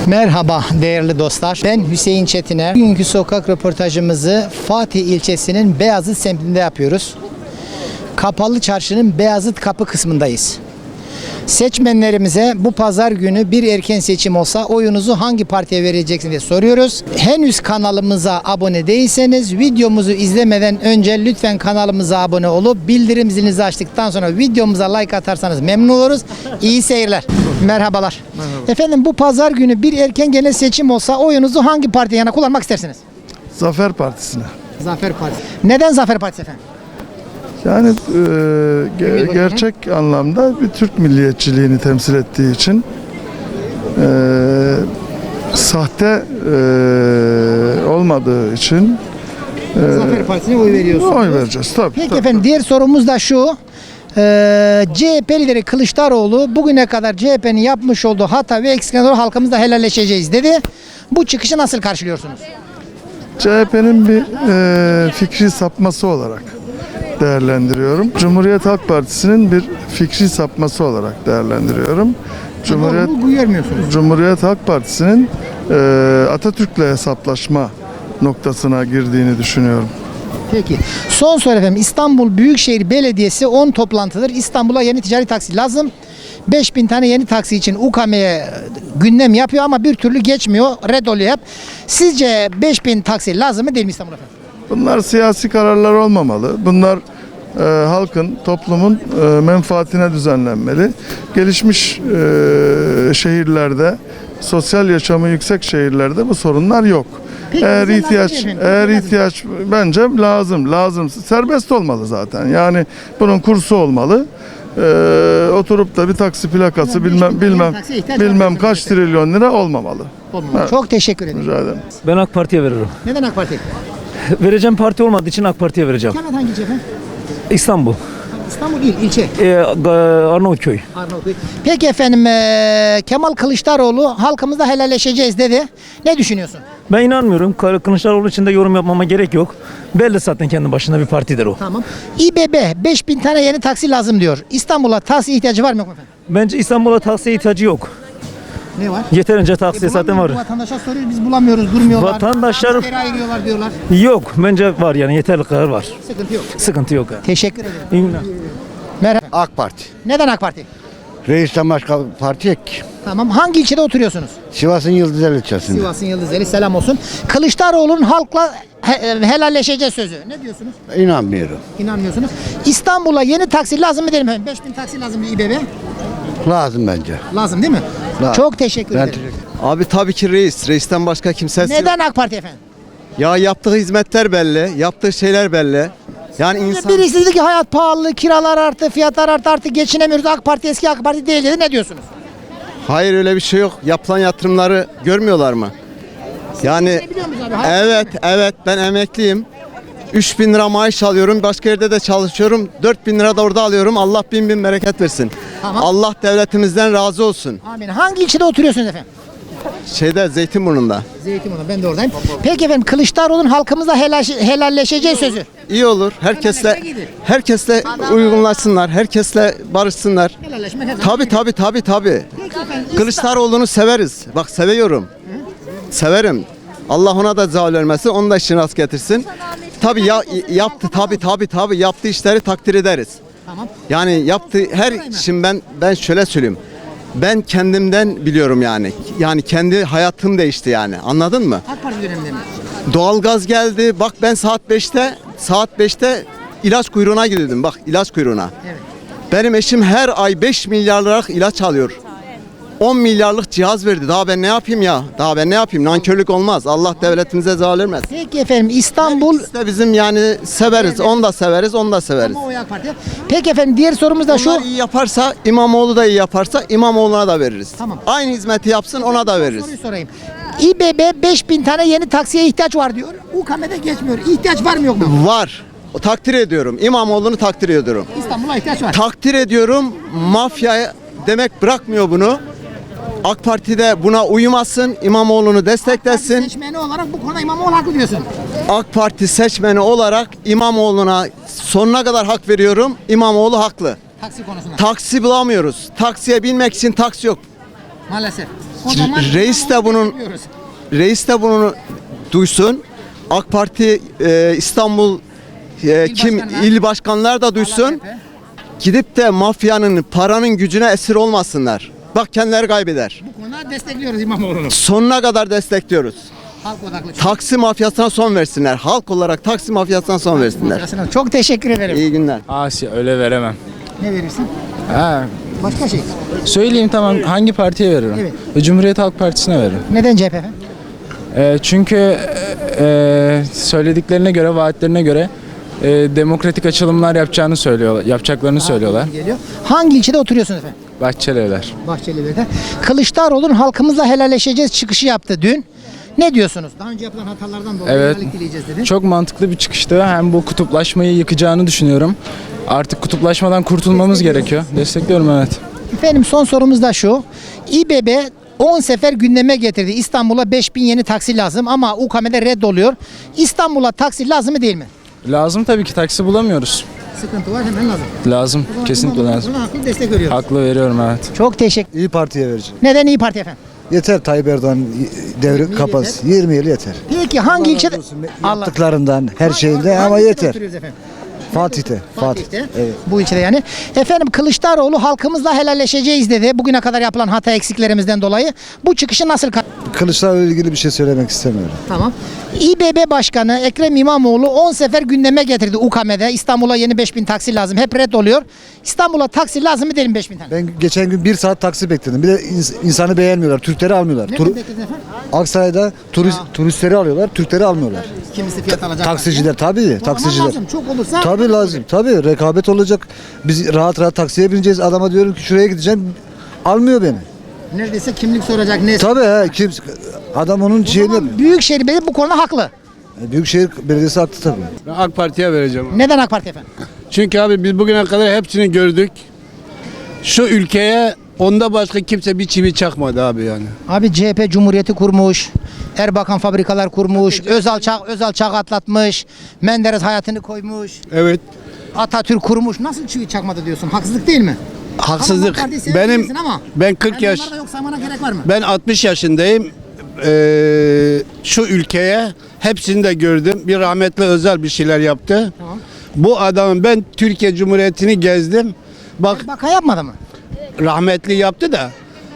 Merhaba değerli dostlar. Ben Hüseyin Çetiner. Bugünkü sokak röportajımızı Fatih ilçesinin Beyazıt semtinde yapıyoruz. Kapalı Çarşı'nın Beyazıt Kapı kısmındayız. Seçmenlerimize bu pazar günü bir erken seçim olsa oyunuzu hangi partiye vereceksiniz diye soruyoruz. Henüz kanalımıza abone değilseniz videomuzu izlemeden önce lütfen kanalımıza abone olup bildirim zilinizi açtıktan sonra videomuza like atarsanız memnun oluruz. İyi seyirler. Merhabalar. Merhaba. Efendim bu pazar günü bir erken genel seçim olsa oyunuzu hangi partiye yana kullanmak istersiniz? Zafer Partisi'ne. Zafer Partisi. Neden Zafer Partisi efendim? Yani gerçek anlamda bir Türk milliyetçiliğini temsil ettiği için sahte olmadığı için Zafer Partisi'ne oy veriyorsunuz. oy vereceğiz. Tabii, Peki tabii. efendim diğer sorumuz da şu. CHP lideri Kılıçdaroğlu bugüne kadar CHP'nin yapmış olduğu hata ve eksiklerden dolayı halkımızla helalleşeceğiz dedi. Bu çıkışı nasıl karşılıyorsunuz? CHP'nin bir fikri sapması olarak değerlendiriyorum. Cumhuriyet Halk Partisi'nin bir fikri sapması olarak değerlendiriyorum. Bu görmüyorsunuz. Cumhuriyet Halk Partisi'nin Atatürk'le hesaplaşma noktasına girdiğini düşünüyorum. Peki. Son soru efendim. İstanbul Büyükşehir Belediyesi 10 toplantıdır. İstanbul'a yeni ticari taksi lazım. 5000 tane yeni taksi için UKM'ye gündem yapıyor ama bir türlü geçmiyor. Red oluyor hep. Sizce 5000 taksi lazım mı değil mi İstanbul efendim? Bunlar siyasi kararlar olmamalı. Bunlar halkın, toplumun menfaatine düzenlenmeli. Gelişmiş şehirlerde, sosyal yaşamı yüksek şehirlerde bu sorunlar yok. Peki, Eğer ihtiyaç bence lazım. Serbest olmalı zaten. Yani bunun kursu olmalı. Oturup da bir taksi plakası bilmem kaç trilyon lira olmamalı. Evet. Çok teşekkür ederim. Rica ederim. Ben AK Parti'ye veririm. Neden AK Parti? Vereceğim parti olmadığı için AK Parti'ye vereceğim. Kemal hangi ilçe efendim? İstanbul, İstanbul il, ilçe. Arnavutköy. Arnavutköy. Peki efendim Kemal Kılıçdaroğlu halkımızla helalleşeceğiz dedi. Ne düşünüyorsun? Ben inanmıyorum. Kılıçdaroğlu için de yorum yapmama gerek yok. Belli zaten kendi başına bir partidir o. Tamam. İBB 5000 tane yeni taksi lazım diyor. İstanbul'a taksi ihtiyacı var mı yok mu efendim? Bence İstanbul'a taksiye ihtiyacı yok. Ne var? Yeterince taksi zaten var. Vatandaşa soruyoruz biz bulamıyoruz durmuyorlar. Vatandaşlar- Askeri ayırıyorlar diyorlar. Yok. Bence var yani yeterli kadar var. Sıkıntı yok. Sıkıntı yok. Yani. Teşekkür ederim. İyi günler. Merhaba. AK Parti. Neden AK Parti? Reisten başka parti yok ki. Tamam. Hangi ilçede oturuyorsunuz? Sivas'ın Yıldızeli ilçesinde. Sivas'ın Yıldızeli selam olsun. Kılıçdaroğlu'nun halkla helalleşeceğiz sözü. Ne diyorsunuz? İnanmıyorum. İnanmıyorsunuz. İstanbul'a yeni taksi lazım mı derim efendim? 5000 taksi lazım mı İBB? Lazım bence. Lazım değil mi? Lazım. Çok teşekkür Ben ederim. teşekkür Abi tabii ki reis. Reisten başka kimsesi yok. Neden AK Parti efendim? Ya yaptığı hizmetler belli. Yaptığı şeyler belli. Yani insan... Birisi dedi ki hayat pahalı, kiralar arttı, fiyatlar arttı, artık geçinemiyoruz. AK Parti eski AK Parti değil dedi. Ne diyorsunuz? Hayır öyle bir şey yok. Yapılan yatırımları görmüyorlar mı? Yani Biliyor musunuz abi? Hayat evet ben emekliyim. 3.000 lira maaş alıyorum. Başka yerde de çalışıyorum. 4.000 lira da orada alıyorum. Allah bin bereket versin. Tamam. Allah devletimizden razı olsun. Amin. Hangi ilçede oturuyorsunuz efendim? Zeytinburnu'nda. Zeytinburnu. Ben de oradayım. Peki efendim Kılıçdaroğlu'nun halkımızla helalleşeceği sözü. İyi olur. Herkesle uygunlaşsınlar. Herkesle barışsınlar. Helalleşmek her zaman. Tabii. Peki efendim, Kılıçdaroğlu'nu severiz. Bak seviyorum. Severim. Allah ona da zeval vermesin. Onun da işini rast getirsin. Tabii yaptı yaptığı işleri takdir ederiz. Tamam. Yani yaptığı şimdi ben şöyle söyleyeyim. Ben kendimden biliyorum yani. Yani kendi hayatım değişti yani. Anladın mı? AK Parti döneminde mi? Doğalgaz geldi. Bak ben saat 5'te ilaç kuyruğuna gidiyordum. Bak ilaç kuyruğuna. Evet. Benim eşim her ay 5 milyar liralık ilaç alıyor. 10 milyarlık cihaz verdi. Daha ben ne yapayım ya? Nankörlük olmaz. Allah devletimize zaval vermesin. Peki efendim İstanbul İkisi de bizim yani severiz. Onu da severiz. ama o AK Parti. Peki efendim diğer sorumuz da şu. Onlar iyi yaparsa, İmamoğlu da iyi yaparsa İmamoğlu'na da veririz. Tamam. Aynı hizmeti yapsın ona da veririz. Soruyu sorayım. İBB 5000 tane yeni taksiye ihtiyaç var diyor. UKM'de geçmiyor. İhtiyaç var mı yok mu? Var. Takdir ediyorum. İmamoğlu'nu takdir ediyorum. İstanbul'a ihtiyaç var. Takdir ediyorum. Mafya demek bırakmıyor bunu. AK Parti'de buna uymasın, İmamoğlu'nu desteklesin. Seçmeni olarak bu konuda İmamoğlu haklı diyorsun. AK Parti seçmeni olarak İmamoğlu'na sonuna kadar hak veriyorum. İmamoğlu haklı. Taksi konusunda. Taksi bulamıyoruz. Taksiye binmek için taksi yok. Maalesef. Reis de bunu duysun. AK Parti İstanbul başkanlar. il başkanlar da duysun. Gidip de mafyanın paranın gücüne esir olmasınlar. Bak kendileri kaybeder. Bu konuda destekliyoruz İmamoğlu'nu. Sonuna kadar destekliyoruz. Halk odaklı. Taksi mafyasına son versinler. Halk olarak taksi mafyasına son versinler. Çok teşekkür ederim. İyi günler. Asya öyle veremem. Ne verirsin? Ha, Başka şey. söyleyeyim tamam hangi partiye veririm? Evet. Cumhuriyet Halk Partisi'ne veririm. Neden CHP efendim? Çünkü söylediklerine göre, vaatlerine göre demokratik açılımlar yapacaklarını söylüyorlar. Geliyor. Hangi ilçede oturuyorsunuz efendim? Bahçelievler. Bahçelievler'de. Kılıçdaroğlu'nun halkımızla helalleşeceğiz çıkışı yaptı dün. Ne diyorsunuz? Daha önce yapılan hatalardan dolayı Evet. helallik dileyeceğiz dedi. Çok mantıklı bir çıkıştı. Hem bu kutuplaşmayı yıkacağını düşünüyorum. Artık kutuplaşmadan kurtulmamız gerekiyor. Destekliyorum, evet. Efendim son sorumuz da şu. İBB 10 sefer gündeme getirdi. İstanbul'a 5000 yeni taksi lazım ama UKM'de reddoluyor. İstanbul'a taksi lazım mı değil mi? Lazım tabii ki, taksi bulamıyoruz. Sıkıntı var, hemen lazım. Lazım. Kesinlikle lazım. Buna haklı destek veriyoruz. Haklı veriyorum, evet. Çok teşekkür. İyi Parti'ye vereceğim. Neden İyi Parti efendim? Yeter Tayyip Erdoğan devri kapatsın. 20 yıl yeter. Peki hangi ilçede? Yaptıklarından, her şeyinde Hangi ama ilçede yeter. oturuyoruz efendim? Fatih'te. Fatih'te. Evet. Bu ilçede yani. Efendim Kılıçdaroğlu halkımızla helalleşeceğiz dedi. Bugüne kadar yapılan hata eksiklerimizden dolayı. Bu çıkışı nasıl Kılıçdaroğlu'yla ilgili bir şey söylemek istemiyorum. Tamam. İBB Başkanı Ekrem İmamoğlu 10 sefer gündeme getirdi UKM'de. İstanbul'a yeni 5000 taksi lazım. Hep red oluyor. İstanbul'a taksi lazım mı derim 5000 tane. Ben geçen gün 1 saat taksi bekledim. Bir de insanı beğenmiyorlar. Türkleri almıyorlar. Ne beklediniz efendim? Aksaray'da turistleri alıyorlar. Türkleri almıyorlar. Kimisi fiyat alacak. Taksiciler tabii. Taksiciler. Lazım. Çok olursa. Tabii lazım. Tabii rekabet olacak. Biz rahat rahat taksiye bineceğiz. Adama diyorum ki şuraya gideceğim. Almıyor beni. Neredeyse kimlik soracak. Ne? Tabii he. Adam onun şeyini... Büyükşehir Belediyesi bu konuda haklı. Büyükşehir Belediyesi haklı tabii. Ben AK Parti'ye vereceğim. Neden AK Parti efendim? Çünkü abi biz bugüne kadar hepsini gördük. Şu ülkeye onda başka kimse bir çivi çakmadı abi yani. Abi CHP Cumhuriyeti kurmuş. Erbakan fabrikalar kurmuş. Özal çağ atlatmış. Menderes hayatını koymuş. Evet. Atatürk kurmuş. Nasıl çivi çakmadı diyorsun? Haksızlık değil mi? Haksızlık. Tamam, AK Parti'yi sevebilirsin ama Ben 40 yaş. onları da yok saymana gerek var mı? Ben 60 yaşındayım. Şu ülkeye hepsini de gördüm. Bir rahmetli Özal bir şeyler yaptı. Tamam. Bu adamın ben Türkiye Cumhuriyeti'ni gezdim. Bak Erbakan yapmadı mı? rahmetli yaptı da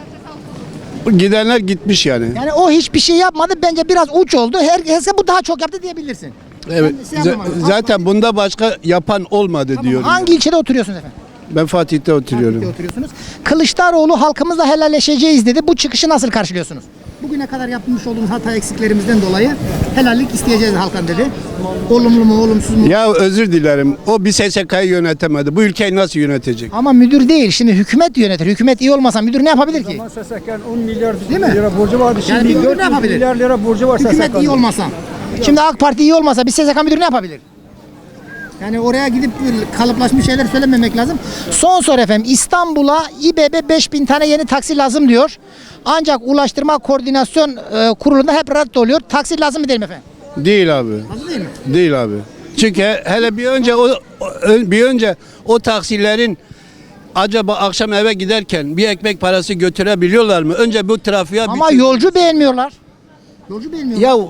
gidenler gitmiş yani. Yani o hiçbir şey yapmadı. Bence biraz uç oldu. Herkese bu daha çok yaptı diyebilirsin. Evet. Kendisi yapamadı. Zaten bunda başka yapan olmadı Tamam. diyorum. Hangi ilçede oturuyorsunuz efendim? Ben Fatih'te oturuyorum. Fatih'te oturuyorsunuz. Kılıçdaroğlu halkımızla helalleşeceğiz dedi. Bu çıkışı nasıl karşılıyorsunuz? Bugüne kadar yapmış olduğumuz hata eksiklerimizden dolayı helallik isteyeceğiz halktan dedi. Olumlu mu olumsuz mu? Ya özür dilerim. O bir SSK'yı yönetemedi. Bu ülkeyi nasıl yönetecek? Ama müdür değil. Şimdi hükümet yönetir. Hükümet iyi olmasa müdür ne yapabilir ki? SSK'nın 10 milyar Değil mi? lira borcu vardı. Yani Şimdi bir müdür ne 400 yapabilir? milyar lira borcu var Hükümet SSK'nın. iyi olmasa. Şimdi AK Parti iyi olmasa bir SSK müdürü ne yapabilir? Yani oraya gidip kalıplaşmış şeyler söylememek lazım. Son soru efendim. İstanbul'a İBB 5000 tane yeni taksi lazım diyor. Ancak Ulaştırma Koordinasyon Kurulu'nda hep rad oluyor. Taksi lazım mı değil mi efendim? Değil abi. Lazım değil mi? Değil abi. Çünkü hele bir önce o taksilerin acaba akşam eve giderken bir ekmek parası götürebiliyorlar mı? Önce bu trafiğe Ama yolcu beğenmiyorlar. Yolcu beğenmiyorlar. ya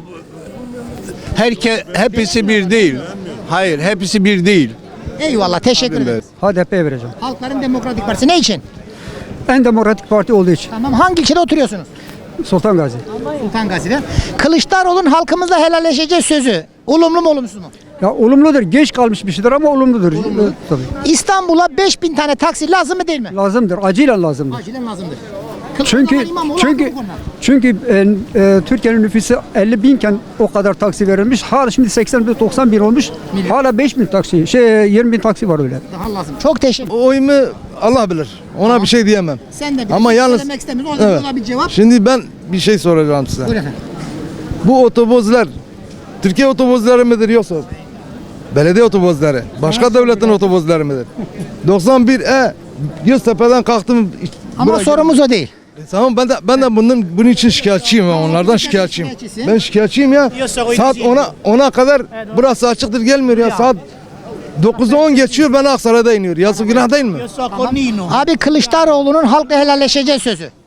hepsi bir değil. Hayır, hepsi bir değil. Eyvallah teşekkür ederim. HDP'ye vereceğim. Halkların Demokratik Partisi ne için? En demokratik parti olduğu için. Tamam hangi ilçede oturuyorsunuz? Sultan Gazi. Sultan Gazi'de. Kılıçdaroğlu'nun halkımızla helalleşeceğiz sözü. Olumlu mu olumsuz mu? Ya olumludur. Geç kalmış bir şeydir ama olumludur. Tabii. İstanbul'a 5000 tane taksi lazım mı değil mi? Lazımdır. Acilen lazımdır. Acilen lazımdır. Çünkü çünkü Türkiye'nin nüfusu 50 binken o kadar taksi verilmiş. Hala şimdi 80-90 bin olmuş. Hala 5 bin taksi, 20 bin taksi var öyle. Daha lazım. Çok teşekkür. Oyumu Allah bilir. Ona bir şey diyemem. Sen de bir Ama şey yalnız- söylemek istemiyorsun. O yüzden Evet. bir cevap. Şimdi ben bir şey soracağım size. Buyur efendim. Bu otobüsler Türkiye otobüsleri midir yoksa belediye otobüsleri? Başka devletin otobüsleri midir? 91 Göztepe'den kalktım. Ama buraya sorumuz o değil. Tamam ben de bunun için şikayetçiyim, onlardan şikayetçiyim. Şikayetçisin. Ben şikayetçiyim ya. Saat 10'a kadar burası açıktır, gelmiyor ya. Saat 9'u 10 geçiyor, ben Aksaray'da iniyor. Yazık günah değil mi? Abi Kılıçdaroğlu'nun halkla helalleşeceğiz sözü.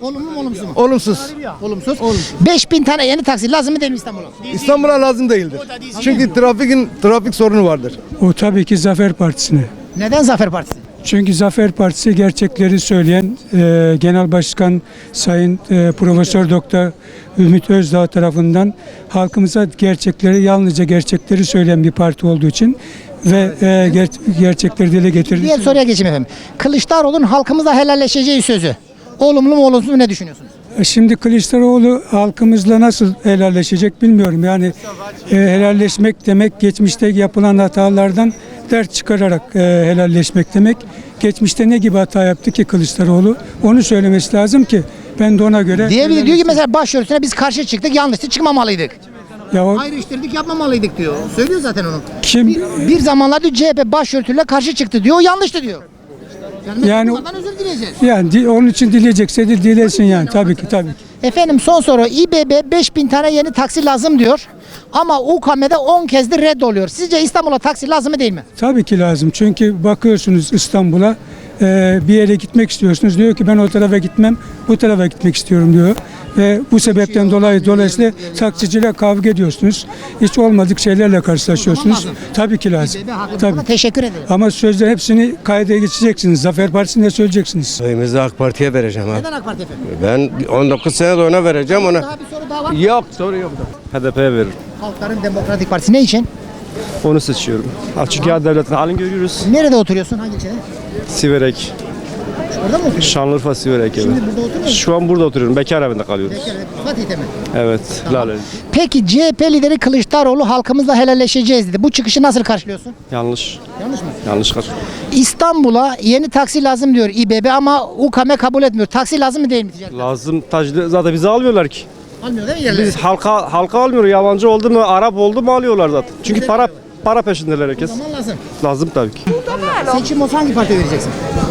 Olumlu mu olumsuz mu? Olumsuz. Olumsuz. 5000 tane yeni taksi lazım mı değil mi İstanbul'a? İstanbul'a lazım değildir. Çünkü trafik sorunu vardır. O tabii ki Zafer Partisi'ne. Neden Zafer Partisi? Çünkü Zafer Partisi gerçekleri söyleyen Genel Başkan Sayın Profesör Doktor Ümit Özdağ tarafından halkımıza yalnızca gerçekleri söyleyen bir parti olduğu için ve gerçekleri dile getirdiği Diğer için. soruya geçeyim efendim. Kılıçdaroğlu'nun halkımızla helalleşeceği sözü. Olumlu mu olumsuz mu ne düşünüyorsunuz? Şimdi Kılıçdaroğlu halkımızla nasıl helalleşecek bilmiyorum. Yani helalleşmek demek geçmişte yapılan hatalardan ders çıkararak helalleşmek demek. Geçmişte ne gibi hata yaptı ki Kılıçdaroğlu? Onu söylemesi lazım ki ben de ona göre... Diyor ki mesela başörtüsüne biz karşı çıktık, yanlıştı, çıkmamalıydık. Ya o, Ayrıştırdık, yapmamalıydık diyor. Söylüyor zaten onu. kim Bir zamanlar diyor CHP başörtüyle karşı çıktı diyor, o yanlıştı diyor. Yani- bunlardan özür dileyeceğiz. yani onun için dileyecekse de dilesin yani tabii ki. Efendim son soru. İBB 5000 tane yeni taksi lazım diyor. Ama UKM'de 10 kezdir red oluyor. Sizce İstanbul'a taksi lazım mı değil mi? Tabii ki lazım. Çünkü bakıyorsunuz İstanbul'a bir yere gitmek istiyorsunuz. Diyor ki ben o tarafa gitmem, bu tarafa gitmek istiyorum diyor. Ve bu sebepten dolayısıyla taksiciyle kavga ediyorsunuz. Hiç olmadık şeylerle karşılaşıyorsunuz. Tabii ki lazım. İBB haklı. Tabii. Buna teşekkür ederim. Ama sözde hepsini kayda geçeceksiniz. Zafer Partisi'nde söyleyeceksiniz. Oyumuzu AK Parti'ye vereceğim abi. Neden AK Parti efendim? Ben 19 sene de ona vereceğim ona. Daha bir soru daha var. Yok soru yok. HDP'ye veririm. Halkların Demokratik Partisi ne için? Onu seçiyorum. Çünkü ya devletin halini görüyoruz. Nerede oturuyorsun? Hangi ilçede? Siverek. Orada mı oturuyorsun? Şanlıurfa Siverek evi. Şimdi burada oturuyor musun? Şu an burada oturuyorum. Bekar evinde kalıyoruz. Fatih'te mi? Evet. Lale. Peki CHP lideri Kılıçdaroğlu halkımızla helalleşeceğiz dedi. Bu çıkışı nasıl karşılıyorsun? Yanlış. Yanlış mı? Yanlış kaç. İstanbul'a yeni taksi lazım diyor İBB ama UKM kabul etmiyor. Taksi lazım mı değil mi ticaret? Lazım. Zaten bizi almıyorlar ki. Almıyor değil mi yerleri? Biz halka almıyor. Yabancı oldu mu, Arap oldu mu alıyorlar zaten. Çünkü para peşindeler herkes. O zaman lazım. Lazım tabii ki. Seçim olsa hangi partiye vereceksin?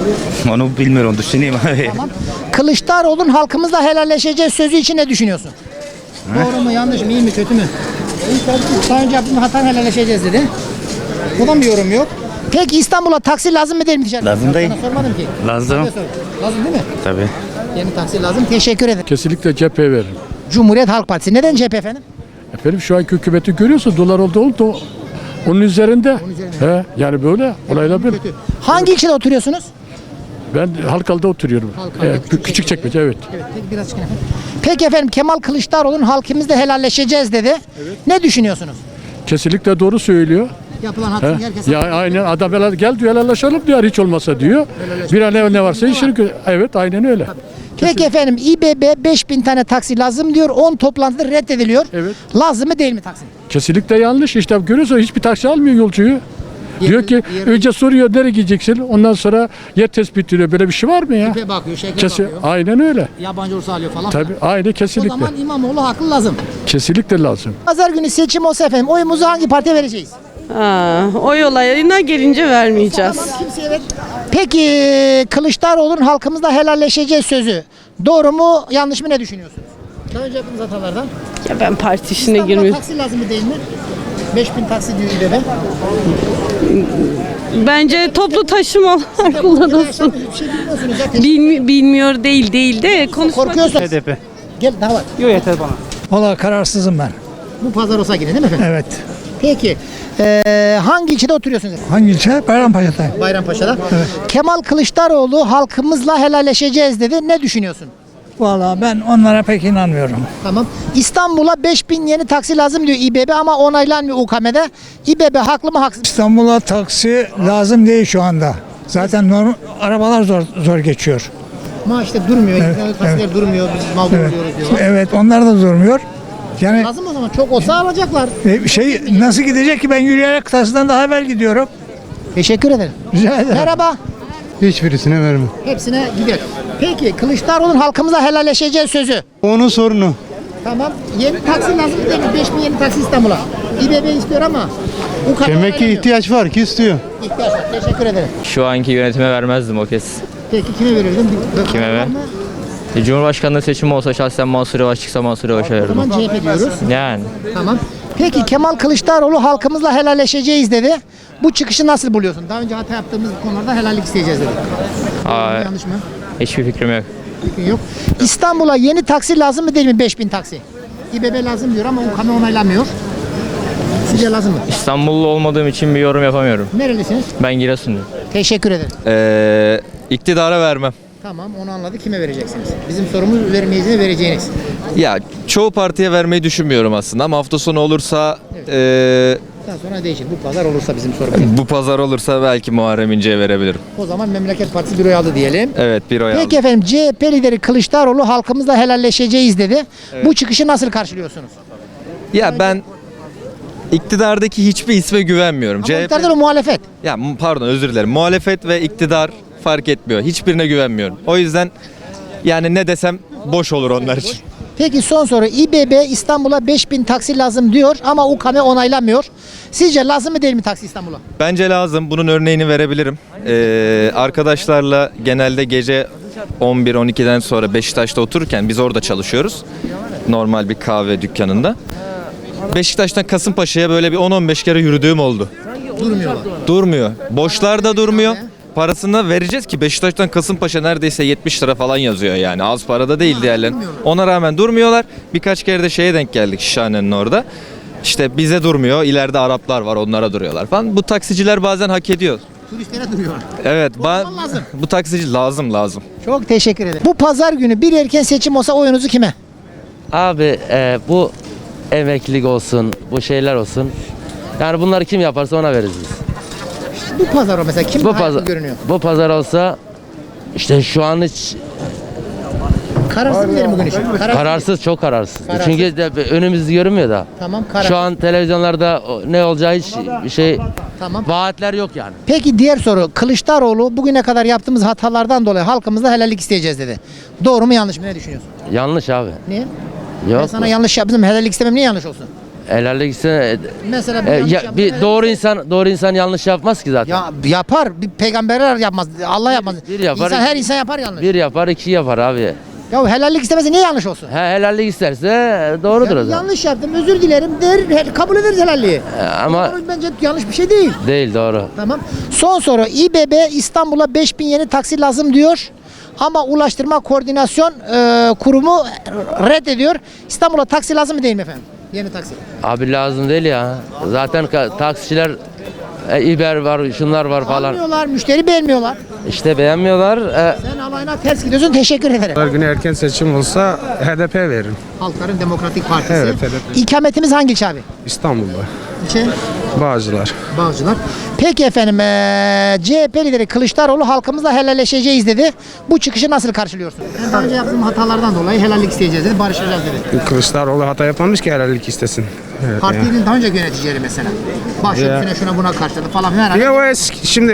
Onu bilmiyorum, düşüneyim abi. Tamam. Kılıçdaroğlu'nun halkımızla helalleşeceğiz sözü için ne düşünüyorsun? Doğru mu, yanlış mı, iyi mi, kötü mü? Daha önce yaptığımız hatan helalleşeceğiz dedi. Buradan bir yorum yok. Peki İstanbul'a taksi lazım mı değil mi ticaret? Lazım değil. Sana sormadım ki. Lazım. Lazım değil mi? Tabii. Yeni taksi lazım. Teşekkür ederim. Kesinlikle CHP'ye veririm. Cumhuriyet Halk Partisi. Neden CHP efendim? Efendim şu anki hükümeti görüyorsun dolar oldu onun üzerinde. He, yani böyle olaylar böyle. Kötü. Hangi ilçede oturuyorsunuz? Ben Halkalı'da oturuyorum. Halkalı'da, Küçükçekmece evet. Evet, peki biraz çıkın efendim. Peki efendim Kemal Kılıçdaroğlu'nun halkımızla helalleşeceğiz dedi. Ne düşünüyorsunuz? Kesinlikle doğru söylüyor. Yapılan He? haksızlık herkese. Ya aynen adam gel diyor helalleşelim diyor hiç olmasa diyor. Bir an ne varsa işini evet aynen öyle. Peki efendim İBB 5000 tane taksi lazım diyor. 10 toplantıda reddediliyor. Evet. Lazım mı değil mi taksi? Kesinlikle yanlış işte görüyorsun hiçbir taksi almıyor yolcuyu. Diyor ki önce soruyor nereye gideceksin ondan sonra yer tespit ediyor. Böyle bir şey var mı ya? Tipe bakıyor, şekle Kesin, bakıyor. aynen öyle. Yabancı olsa alıyor falan. Tabii aynı O kesinlikle. zaman İmamoğlu haklı lazım. Kesinlikle lazım. Pazar günü seçim olsa efendim oyumuzu hangi partiye vereceğiz? Oy olayına gelince vermeyeceğiz. Tamam, kimseye ver. Peki Kılıçdaroğlu'nun halkımızla helalleşeceğiz sözü. Doğru mu yanlış mı ne düşünüyorsunuz? Daha önce yaptığımız hatalardan. Ya ben parti işine İstanbul'a girmiyorum. taksi lazım mı değil mi? 5000 taksi diyor İBB. Bence toplu taşıma kullanılsın. Bir şey bilmiyorsunuz ya. Bilmiyor değil de konuşmak. Korkuyorsunuz. HDP. Gel daha var. Yok yeter bana. Valla kararsızım ben. Bu pazar olsa yine değil mi efendim? Evet. Peki hangi ilçede oturuyorsunuz? Hangi ilçe? Bayrampaşa'da. Bayrampaşa'da. Kemal Kılıçdaroğlu halkımızla helalleşeceğiz dedi. Ne düşünüyorsun? Valla ben onlara pek inanmıyorum. Tamam. İstanbul'a 5000 yeni taksi lazım diyor İBB ama onaylanmıyor UKM'de. İBB haklı mı haksız? İstanbul'a taksi lazım değil şu anda. Zaten arabalar zor geçiyor. Ama işte durmuyor. Taksiler durmuyor. Biz mağdur oluyoruz diyorlar. Evet onlar da durmuyor. Yani Lazım o zaman. Çok olsa alacaklar. nasıl gidecek ki ben yürüyerek taksiden daha evvel gidiyorum. Teşekkür ederim. Rica ederim. Merhaba. Hiçbirisine vermem. Hepsine gider. Peki Kılıçdaroğlu'nun halkımızla helalleşeceğiz sözü. Onun sorunu. Tamam. Yeni taksi lazım değil mi? 5000 yeni taksi İstanbul'a. İBB istiyor ama UKM ihtiyaç var ki istiyor. ihtiyaç var. Teşekkür ederim. Şu anki yönetime vermezdim o kez. Peki kime verirdin? Kime ver? Cumhurbaşkanlığı seçimi olsa şahsen Mansur Yavaş çıksa Mansur Yavaş'a O zaman verirdim. CHP diyoruz. Yani. Tamam. Peki Kemal Kılıçdaroğlu halkımızla helalleşeceğiz dedi. Bu çıkışı nasıl buluyorsun? Daha önce hata yaptığımız konularda helallik isteyeceğiz dedi. Aa, Yanlış mı? hiçbir fikrim yok. Fikrin yok. İstanbul'a yeni taksi lazım mı değil mi? 5000 taksi. İBB lazım diyor ama UKM onaylamıyor. Sizce lazım mı? İstanbullu olmadığım için bir yorum yapamıyorum. Nerelisiniz? Ben Giresunluyum. Teşekkür ederim. İktidara vermem. Tamam, onu anladı. Kime vereceksiniz? Bizim sorumuz vermeyeceğiniz, vereceğiniz. Ya çoğu partiye vermeyi düşünmüyorum aslında ama hafta sonu olursa Daha sonra değişir. Bu pazar olursa bizim sorumuz. bu pazar olursa belki Muharrem İnce'ye verebilirim. O zaman Memleket Partisi büroyu aldı diyelim. Evet, bir oy aldım. Peki efendim, CHP lideri Kılıçdaroğlu halkımızla helalleşeceğiz dedi. Bu çıkışı nasıl karşılıyorsunuz? Ya ben iktidardaki hiçbir isme güvenmiyorum. Ama iktidarda muhalefet. Ya pardon, özür dilerim. Muhalefet ve iktidar fark etmiyor. Hiçbirine güvenmiyorum. O yüzden yani ne desem boş olur onlar için. Peki son soru. İBB İstanbul'a 5000 taksi lazım diyor ama UKM onaylamıyor. Sizce lazım mı değil mi taksi İstanbul'a? Bence lazım. Bunun örneğini verebilirim. Arkadaşlarla genelde gece 11-12'den sonra Beşiktaş'ta otururken biz orada çalışıyoruz. Normal bir kahve dükkanında. Beşiktaş'tan Kasımpaşa'ya böyle bir 10-15 kere yürüdüğüm oldu. Durmuyorlar. Durmuyor. Boşlarda durmuyor. Parasını vereceğiz ki Beşiktaş'tan Kasımpaşa neredeyse 70 lira falan yazıyor yani. Az parada değil diğerlerin. Ona rağmen durmuyorlar. Birkaç kere de şeye denk geldik Şişhane'nin orada. İşte bize durmuyor. İleride Araplar var, onlara duruyorlar falan. Bu taksiciler bazen hak ediyor. Turistlere duruyorlar. Evet. Lazım. Bu taksici lazım. Çok teşekkür ederim. Bu pazar günü bir erken seçim olsa oyunuzu kime? Abi bu emeklilik olsun, bu şeyler olsun. Yani bunları kim yaparsa ona veririz biz. Bu pazar o mesela kim Bu daha yakın pazar, görünüyor? bu pazar olsa işte şu an hiç Kararsız mı diyelim bugün için? kararsız, çok kararsız. Kararsız. Çünkü önümüz görünmüyor da. Tamam, kararsız. Şu an televizyonlarda ne olacağı hiç bir şey, Tamam. vaatler yok yani. Peki diğer soru. Kılıçdaroğlu bugüne kadar yaptığımız hatalardan dolayı halkımızda helallik isteyeceğiz dedi. Doğru mu yanlış mı? Ne düşünüyorsun? Yanlış abi. Niye? Ben Yok. sana yanlış yaptım. Helallik istemem niye yanlış olsun? Helallik ise Mesela bir yanlış yaptım, bir helallik doğru insan yanlış yapmaz ki zaten. Ya yapar. Bir peygamberler yapmaz. Allah yapmaz. Bir yapar. Her insan yapar yanlış. Bir yapar, iki yapar abi. Ya helallik istemese niye yanlış olsun? Helallik isterse doğrudur o zaman. Yanlış yaptım, özür dilerim der, kabul ederiz helalliği. Ama Doğru, bence yanlış bir şey değil. değil, doğru. Tamam. Son soru. İBB İstanbul'a 5000 yeni taksi lazım diyor. Ama Ulaştırma Koordinasyon Kurumu reddediyor. İstanbul'a taksi lazım mı değil mi efendim? Yeni taksi. Abi lazım değil ya. Zaten taksiciler İber var, şunlar var falan. Almıyorlar, müşteri beğenmiyorlar. İşte beğenmiyorlar. Sen alayına ters gidiyorsun. Teşekkür ederim. Her gün erken seçim olsa HDP veririm. Halkların Demokratik Partisi. Evet, HDP. İkametimiz hangi ilçe abi? İstanbul'da. İlçe? Bağcılar. Bağcılar. Peki efendim, CHP lideri Kılıçdaroğlu halkımızla helalleşeceğiz dedi. Bu çıkışı nasıl karşılıyorsun? Daha önce yaptığım hatalardan dolayı helallik isteyeceğiz dedi, barışacağız dedi. Kılıçdaroğlu hata yapmamış ki helallik istesin. Partinin daha önce yöneticileri mesela. Başörtüsüne şuna buna karşıladı falan filan. Ya o eski, şimdi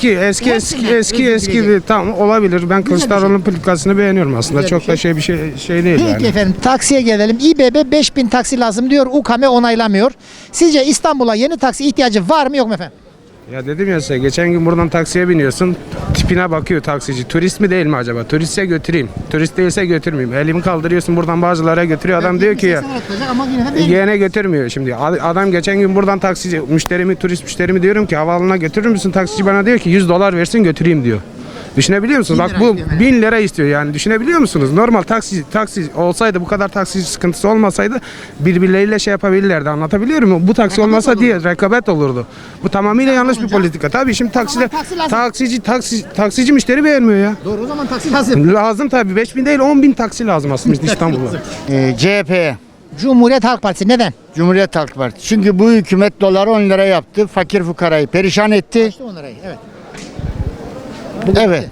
eski bir tamam olabilir. Ben Kılıçdaroğlu'nun politikasını beğeniyorum aslında. Güzel Çok da şey değil Peki yani. efendim, taksiye gelelim. İBB 5000 taksi lazım diyor. UKM onaylamıyor. Sizce İstanbul'a yeni taksi ihtiyacı var mı yok mu efendim? Ya dedim ya size, geçen gün buradan taksiye biniyorsun, tipine bakıyor taksici. Turist mi değil mi acaba? Turistse götüreyim. Turist değilse götürmeyeyim. Elimi kaldırıyorsun, buradan Bağcılar'a götürüyor. Adam diyor ki ya Ama yine de yine götürmüyor şimdi. Adam geçen gün buradan taksici turist müşterimi diyorum ki havaalanına götürür müsün? Taksici bana diyor ki $100 versin götüreyim diyor. Düşünebiliyor musunuz? Bak bu 1000 lira istiyor yani. Düşünebiliyor musunuz? Normal taksi olsaydı, bu kadar taksi sıkıntısı olmasaydı birbirleriyle şey yapabilirlerdi. Anlatabiliyor muyum? Bu taksi olmasa diye rekabet olurdu. Bu tamamıyla yanlış bir politika. Tabii şimdi taksici müşteri beğenmiyor ya. Doğru, o zaman taksi lazım. Lazım tabii. 5000 değil 10.000 taksi lazım aslında İstanbul'da. CHP'ye. Cumhuriyet Halk Partisi neden? Cumhuriyet Halk Partisi. Çünkü bu hükümet doları 10 lira yaptı. Fakir fukarayı perişan etti. İşte 10 lirayı, evet. Evet.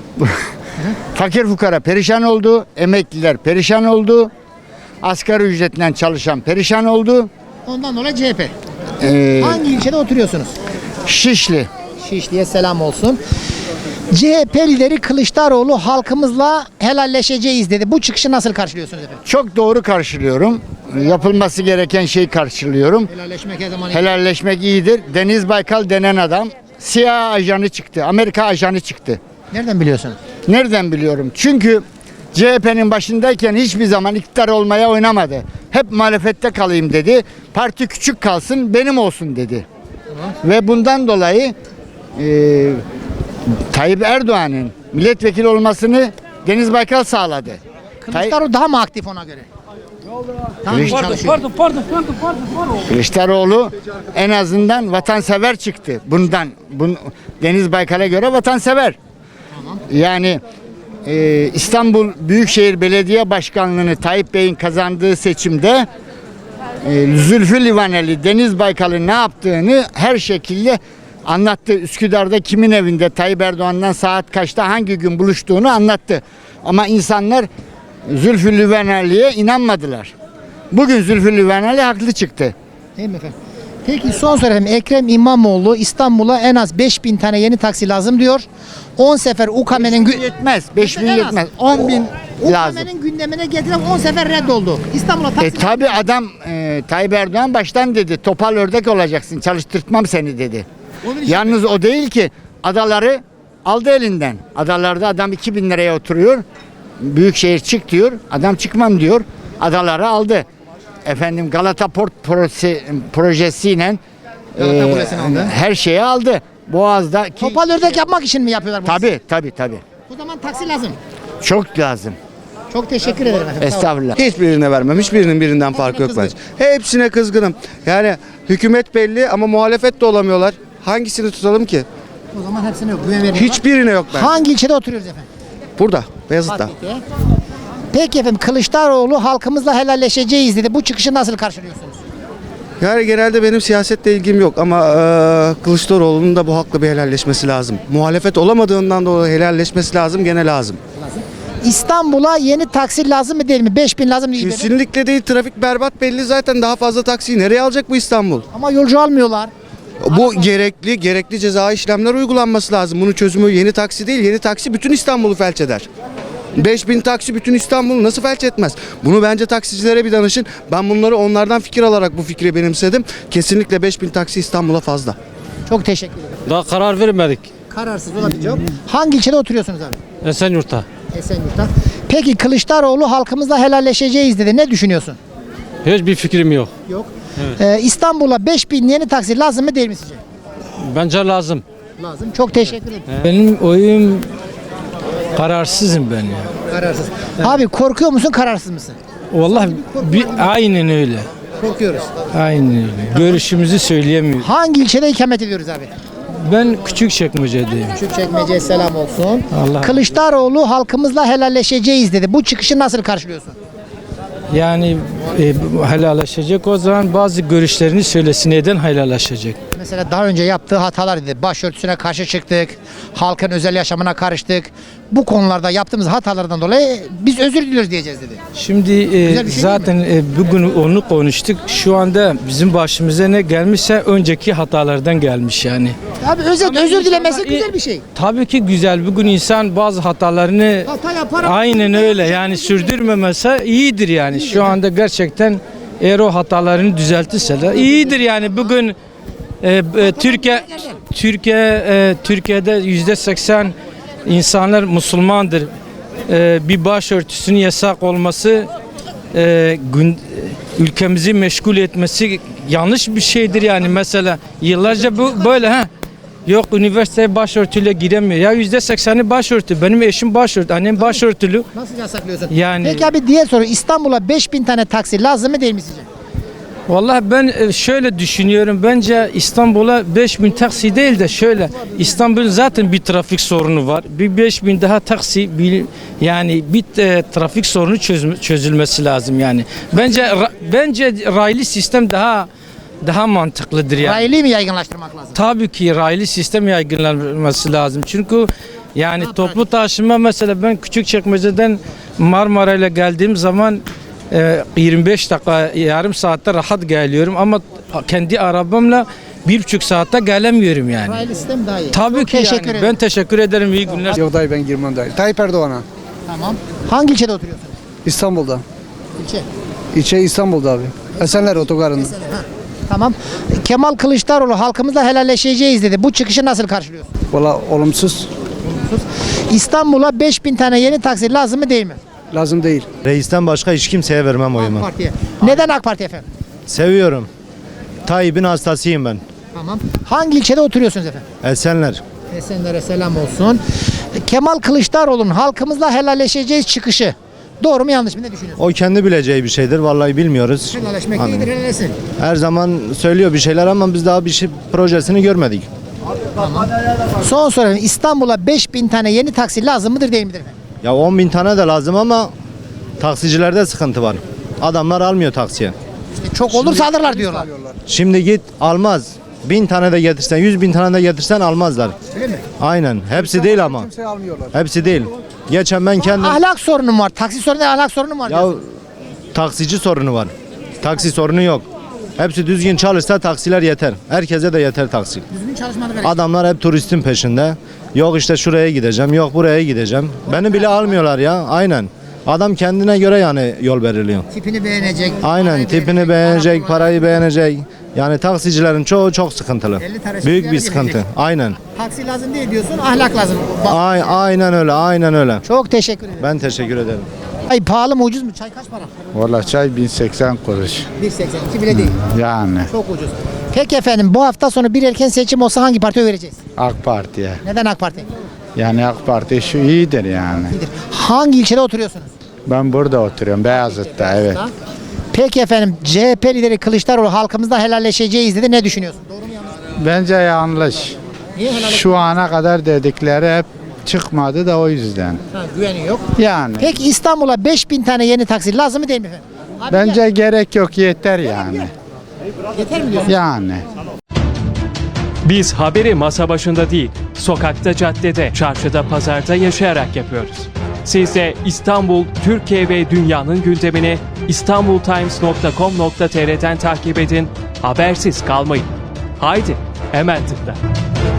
Fakir fukara perişan oldu. Emekliler perişan oldu. Asgari ücretle çalışan perişan oldu. Ondan dolayı CHP. Ee, Hangi ilçede oturuyorsunuz? Şişli. Şişli'ye selam olsun. CHP lideri Kılıçdaroğlu halkımızla helalleşeceğiz dedi. Bu çıkışı nasıl karşılıyorsunuz efendim? Çok doğru karşılıyorum. Yapılması gereken şeyi karşılıyorum. Helalleşmek her zaman Helalleşmek iyidir. Deniz Baykal denen adam CIA ajanı çıktı. Amerika ajanı çıktı. Nereden biliyorsunuz? Nereden biliyorum? Çünkü CHP'nin başındayken hiçbir zaman iktidar olmaya oynamadı. Hep muhalefette kalayım dedi. Parti küçük kalsın, benim olsun dedi. Ve bundan dolayı Tayyip Erdoğan'ın milletvekili olmasını Deniz Baykal sağladı. Kılıçdaroğlu daha mı aktif ona göre? Daha mı çalışıyor? Kılıçdaroğlu en azından vatansever çıktı. Deniz Baykal'a göre vatansever. Yani İstanbul Büyükşehir Belediye Başkanlığı'nı Tayyip Bey'in kazandığı seçimde Zülfü Livaneli Deniz Baykal'ın ne yaptığını her şekilde anlattı. Üsküdar'da kimin evinde Tayyip Erdoğan'dan saat kaçta hangi gün buluştuğunu anlattı. Ama insanlar Zülfü Livaneli'ye inanmadılar. Bugün Zülfü Livaneli haklı çıktı. Değil mi efendim? Peki son soru efendim. Ekrem İmamoğlu İstanbul'a en az 5000 tane yeni taksi lazım diyor. 10 sefer UKM'nin yetmez. 5000 yetmez. 10.000 lazım. UKM'nin gündemine getiren 10 sefer reddoldu. İstanbul'a taksi Tabi adam Tayyip Erdoğan baştan dedi. Topal ördek olacaksın. Çalıştırtmam seni dedi. Yalnız o değil ki. Adaları aldı elinden. Adalarda adam 2000 liraya oturuyor. Büyükşehir çık diyor. Adam çıkmam diyor. Adaları aldı. Efendim Galata Port projesiyle her şeyi aldı. Boğaz'da Topal ördek yapmak için mi yapıyorlar bunu? Tabi. O zaman taksi lazım. Çok lazım. Çok teşekkür ederim efendim. Estağfurullah. Hiçbirine vermem. Hiçbirinin birinden farkı yok bence. Hepsine kızgınım. Yani hükümet belli ama muhalefet de olamıyorlar. Hangisini tutalım ki? O zaman hepsine yok. Güven veriyorlar. Hiçbirine yok bence. Hangi ilçede oturuyoruz efendim? Burada. Beyazıt'ta. Peki efendim Kılıçdaroğlu halkımızla helalleşeceğiz dedi. Bu çıkışı nasıl karşılıyorsunuz? Yani genelde benim siyasetle ilgim yok ama Kılıçdaroğlu'nun da bu hakla bir helalleşmesi lazım. Muhalefet olamadığından dolayı helalleşmesi lazım, gene lazım. İstanbul'a yeni taksi lazım mı değil mi? 5000 lazım değil mi? Kesinlikle değil. Trafik berbat belli zaten. Daha fazla taksiyi nereye alacak bu İstanbul? Ama yolcu almıyorlar. Bu gerekli ceza işlemler uygulanması lazım. Bunun çözümü yeni taksi değil. Yeni taksi bütün İstanbul'u felç eder. 5000 taksi bütün İstanbul'u nasıl felç etmez? Bunu bence taksicilere bir danışın. Ben bunları onlardan fikir alarak bu fikri benimsedim. Kesinlikle 5000 taksi İstanbul'a fazla. Çok teşekkür ederim. Daha karar vermedik. Kararsız olabilir cevap. Hangi ilçede oturuyorsunuz abi? Esenyurt'ta. Esenyurt'ta. Peki Kılıçdaroğlu halkımızla helalleşeceğiz dedi. Ne düşünüyorsun? Hiçbir fikrim yok. Yok. İstanbul'a 5000 yeni taksi lazım mı değil mi sizce? Bence lazım. Lazım. Çok teşekkür ederim. Benim oyum kararsızım ben ya. Kararsız. Abi korkuyor musun, kararsız mısın? Vallahi aynen öyle. Korkuyoruz. Aynen öyle. Görüşümüzü söyleyemiyoruz. Hangi ilçede ikamet ediyoruz abi? Ben Küçükçekmece'deyim. Küçükçekmece'ye selam olsun. Allah. Kılıçdaroğlu halkımızla helalleşeceğiz dedi. Bu çıkışı nasıl karşılıyorsun? Yani helalleşecek o zaman bazı görüşlerini söylesin, neden helalleşecek? Mesela daha önce yaptığı hatalar dedi. Başörtüsüne karşı çıktık. Halkın özel yaşamına karıştık. Bu konularda yaptığımız hatalardan dolayı biz özür diliyoruz diyeceğiz dedi. Şimdi bir şey zaten bugün onu konuştuk. Şu anda bizim başımıza ne gelmişse önceki hatalardan gelmiş yani. Abi özür dilemesi güzel bir şey. Tabii ki güzel. Bugün insan bazı hatalarını Hata yapar. aynen öyle yani sürdürmemese iyidir yani. Şu anda gerçekten eğer o hatalarını düzeltirse de iyidir yani. Bugün Türkiye'de %80 insanlar Müslümandır. Bir başörtüsünün yasak olması ülkemizi meşgul etmesi yanlış bir şeydir yani. Mesela yıllarca bu böyle yok üniversiteye başörtüyle giremiyor. Ya %80'i başörtü. Benim eşim başörtü, annem başörtülü. Nasıl yasaklıyorsun? Yani Peki abi diğer soru, İstanbul'a 5000 tane taksi lazım mı değil mi sizce? vallahi ben şöyle düşünüyorum. Bence İstanbul'a 5000 taksi değil de şöyle. İstanbul'un zaten bir trafik sorunu var. Bir 5000 daha taksi yani bir trafik sorunu çözülmesi lazım yani. Bence raylı sistem daha mantıklıdır yani. Raylı mı yaygınlaştırmak lazım? Tabii ki raylı sistem yaygınlanması lazım. Çünkü yani toplu taşıma mesela ben Küçükçekmece'den Marmara'yla geldiğim zaman 25 dakika yarım saatte rahat geliyorum ama kendi arabamla 1,5 saatte gelemiyorum yani. Raylı sistem daha iyi. Tabii ki teşekkür yani. ederim. Ben teşekkür ederim. İyi günler. Yok dayı ben girmem dayı. Tayyip Erdoğan'a. Tamam. Hangi ilçede oturuyorsunuz? İstanbul'da. İlçe. İlçe İstanbul'da abi. Esenler otogarında. Tamam. Kemal Kılıçdaroğlu halkımızla helalleşeceğiz dedi. Bu çıkışı nasıl karşılıyorsun? Valla olumsuz. İstanbul'a 5000 tane yeni taksi lazım mı değil mi? Lazım değil. Reisten başka hiç kimseye vermem oyumu. AK Parti'ye. Neden AK Parti efendim? Seviyorum. Tayyip'in hastasıyım ben. Tamam. Hangi ilçede oturuyorsunuz efendim? Esenler. Esenler'e selam olsun. Kemal Kılıçdaroğlu'nun halkımızla helalleşeceğiz çıkışı. Doğru mu yanlış mı, ne düşünüyorsun? O kendi bileceği bir şeydir. Vallahi bilmiyoruz. Helalleşmek Anladım. iyidir, helalleşsin. Her zaman söylüyor bir şeyler ama biz daha bir şey projesini görmedik. Son soru efendim. İstanbul'a 5000 tane yeni taksi lazım mıdır değil midir efendim? Ya 10.000 tane de lazım ama taksicilerde sıkıntı var. Adamlar almıyor taksiye. İşte çok olursa alırlar diyorlar. Şimdi git almaz. 1000 tane de getirsen, 100.000 tane de getirsen almazlar. Öyle mi? Aynen. Hepsi değil ama. Hepsi değil. Geçen ben kendim... Ahlak sorunum var. Taksi sorunu değil, ahlak sorunum var. Ya diyorsun. taksici sorunu var. Taksi sorunu yok. Hepsi düzgün çalışsa taksiler yeter. Herkese de yeter taksi. Düzgün çalışmadı gerek. Adamlar hep turistin peşinde. Yok işte şuraya gideceğim, yok buraya gideceğim. Beni bile almıyorlar ya. Aynen. Adam kendine göre yani yol belirliyor. Tipini beğenecek. Aynen, parayı tipini beğenecek, parayı beğenecek. Yani taksicilerin çoğu çok sıkıntılı. Büyük bir sıkıntı. Aynen. Taksi lazım değil diyorsun, ahlak lazım. Aynen öyle, aynen öyle. Çok teşekkür ederim. Ben teşekkür ederim. Ay pahalı mı ucuz mu? Çay kaç para? Valla çay 1080 kuruş. 1.82 bile değil. Yani Çok ucuz. Peki efendim, bu hafta sonu bir erken seçim olsa hangi partiye oy vereceğiz? AK Parti'ye. Neden AK Parti? Yani AK Parti şu iyidir yani. Hangi ilçede oturuyorsunuz? Ben burada oturuyorum Beyazıt'ta, evet. Peki efendim, CHP lideri Kılıçdaroğlu halkımızla helalleşeceğiz dedi. Ne düşünüyorsun? Doğru mu yanlış mı? Bence yanlış. Niye helalleşeceğiz? Şu ana kadar dedikleri hep çıkmadı da o yüzden. Ha, güveni yok. Yani Peki İstanbul'a 5000 tane yeni taksi lazım mı değil mi efendim? Abi bence gerek yok, yeter yani. yeter mi diyorsun? Yani. Biz haberi masa başında değil, sokakta, caddede, çarşıda, pazarda yaşayarak yapıyoruz. Siz de İstanbul, Türkiye ve dünyanın gündemini istanbultimes.com.tr'den takip edin, habersiz kalmayın. Haydi, hemen tıkla.